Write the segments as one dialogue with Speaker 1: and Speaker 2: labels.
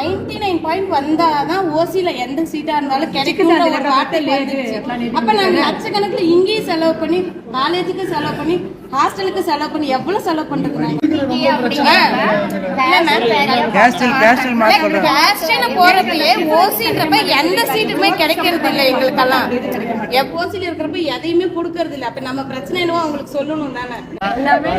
Speaker 1: 99 வந்தாதான் ஓசில எந்த சீட்டா இருந்தாலும் கிடைக்கும். அப்ப நாங்க லட்சக்கணக்கில் இங்கேயும் செலவு பண்ணி, காலேஜுக்கு செலவு பண்ணி, ஹாஸ்டலுக்கு செலவு பண்ணி எவ்வளவு செலவு பண்றது? போறப்பயே ஓசின்றப்ப எந்த சீட்டுமே கிடைக்கிறது இல்லை எங்களுக்கெல்லாம். ஓசில இருக்கிறப்ப எதையுமே கொடுக்கறது இல்லை. அப்ப நம்ம பிரச்சனை என்னவோ அவங்களுக்கு சொல்லணும் தானே.
Speaker 2: எல்லாமே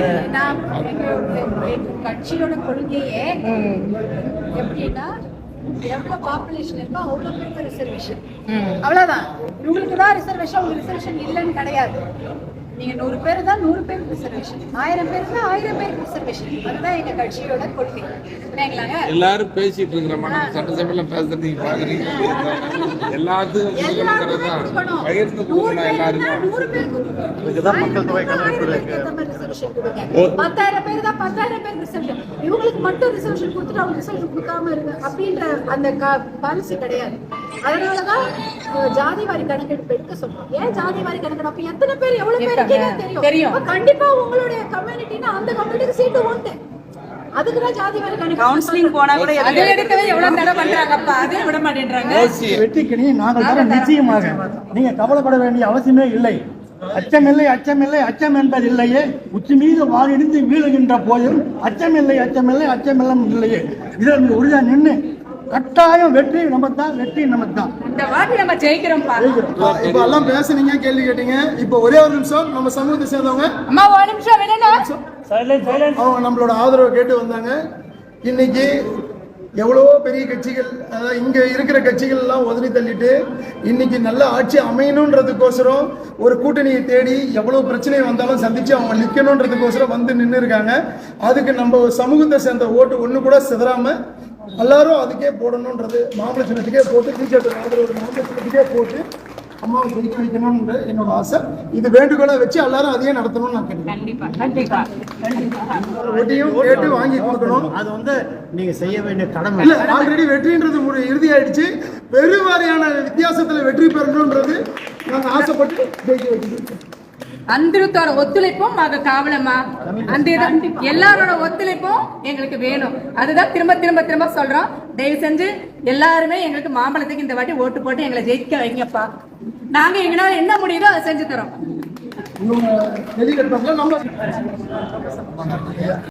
Speaker 2: கட்சியோட கொள்கையே எப்படின்னா, எவ்வளவு பாப்புலேஷன் இருக்கோ அவ்வளவு பேருக்கு ரிசர்வேஷன், அவ்வளவுதான். இவங்களுக்கு தான் ரிசர்வேஷன், உங்களுக்கு ரிசர்வேஷன் இல்லைன்னு கிடையாது. நீங்க 100 பேர் தான் 100 பேருக்கு ரிசர்வேஷன், 1000 பேர் தான் 1000 பேருக்கு ரிசர்வேஷன். அதுதான் எங்க கட்சியோட கொள்கை.
Speaker 3: எல்லாரும் பேசிட்டு இருக்கிற சட்டசபையில பேசுறது நீங்க பாக்குறீங்க. எல்லாத்துக்கும் பகிர்ந்து கொடுக்கணும். எல்லாருக்கும்
Speaker 2: 100 பேருக்கு மக்கள் தொகை கணக்கு 10,000 பேர் தான் 10,000 பேருக்கு ரிசர்வேஷன். இவங்களுக்கு மட்டும் ரிசர்வேஷன் கொடுத்துட்டு அவங்க ரிசர்வேஷன் கொடுக்காம இருக்கு அப்படின்ற அந்த பாலிசி கிடையாது. அதனாலதான் ஜாதி வாரி கணக்கெடுப்பு எடுக்க சொல்றோம். ஏன் ஜாதி வாரி கணக்கெடுப்பு? எத்தனை பேர் எவ்வளவு பேர் தெரியும். கண்டிப்பா உங்களுடைய கம்யூனிட்டினா அந்த கம்யூனிட்டிக்கு சீட்டு உண்டு. அதுக்குதான் ஜாதி வாரி கணக்கு. கவுன்சிலிங் போனா கூட அதை எடுக்கவே எவ்வளவு தடவை பண்றாங்கப்பா, அதை விட மாட்டேன்றாங்க.
Speaker 4: வெற்றிக்கு நாங்கள் தர நிச்சயமாக நீங்க கவலைப்பட வேண்டிய அவசியமே இல்லை. அச்சமில்லை அச்சமில்லை அச்சம் என்பது இல்லையே, உச்சி மீது வாரிடிந்து வீழுகின்ற போதும் அச்சமில்லை அச்சமில்லை அச்சமில்லம் இல்லையே. இதில் உறுதியா நின்று கட்டாயம் வெற்றி நமக்குதான், வெற்றி நமக்குதான்.
Speaker 2: இந்த வாட்டி நம்ம ஜெயிக்கிறோம்.
Speaker 5: இப்ப எல்லாம் பேசுனீங்க, கேள்வி கேட்டீங்க. இப்ப ஒரே ஒரு நிமிஷம், நம்ம சமூகத்தை சேர்ந்தவங்க
Speaker 2: அம்மா ஒரு நிமிஷம் விடணும்.
Speaker 5: அவங்க நம்மளோட ஆதரவை கேட்டு வந்தாங்க. இன்னைக்கு எவ்வளவோ பெரிய கட்சிகள், அதாவது இங்க இருக்கிற கட்சிகள் எல்லாம் உதறி தள்ளிட்டு இன்னைக்கு நல்ல ஆட்சி அமையணுன்றதுக்கோசரம் ஒரு கூட்டணியை தேடி எவ்வளவு பிரச்சனை வந்தாலும் சந்திச்சு அவங்க நிக்கணுன்றதுக்கோசரம் வந்து நின்று இருக்காங்க. அதுக்கு நம்ம சமூகத்தை சேர்ந்த ஓட்டு ஒண்ணு கூட சிதறாம எல்லாரும் அதுக்கே போடணுன்றது, மாம்பழ சின்னத்துக்கே போட்டு, டீச்சர் ஆதரவு மாம்பழ சின்னத்துக்கே போட்டு அம்மாவை ஜெயிக்க வைக்கணும்ன்ற என்னோட ஆசை. இது வேண்டுகோளை வச்சு எல்லாரும் அதையே நடத்தணும்னு நான் கேட்கிறேன். ஒட்டியும் கேட்டு வாங்கி கொடுக்கணும்.
Speaker 4: அது நீங்க செய்ய வேண்டிய கடமை.
Speaker 5: இல்ல, ஆல்ரெடி வெற்றின்றது இறுதி ஆயிடுச்சு. பெருவாரியான வித்தியாசத்துல வெற்றி பெறணும்ன்றது நாங்க ஆசைப்பட்டு ஜெயிக்க வைக்கணும்.
Speaker 2: அந்திருத்தோட ஒத்துழைப்பும் காவலமா, அந்த எல்லாரோட ஒத்துழைப்பும் எங்களுக்கு வேணும். அதுதான் திரும்ப திரும்ப திரும்ப சொல்றோம். தயவு செஞ்சு எல்லாருமே எங்களுக்கு மாம்பழத்துக்கு இந்த வாட்டி ஓட்டு போட்டு எங்களை ஜெயிக்க வைங்கப்பா. நாங்க எங்களால என்ன முடியுதோ அதை செஞ்சு தரோம்.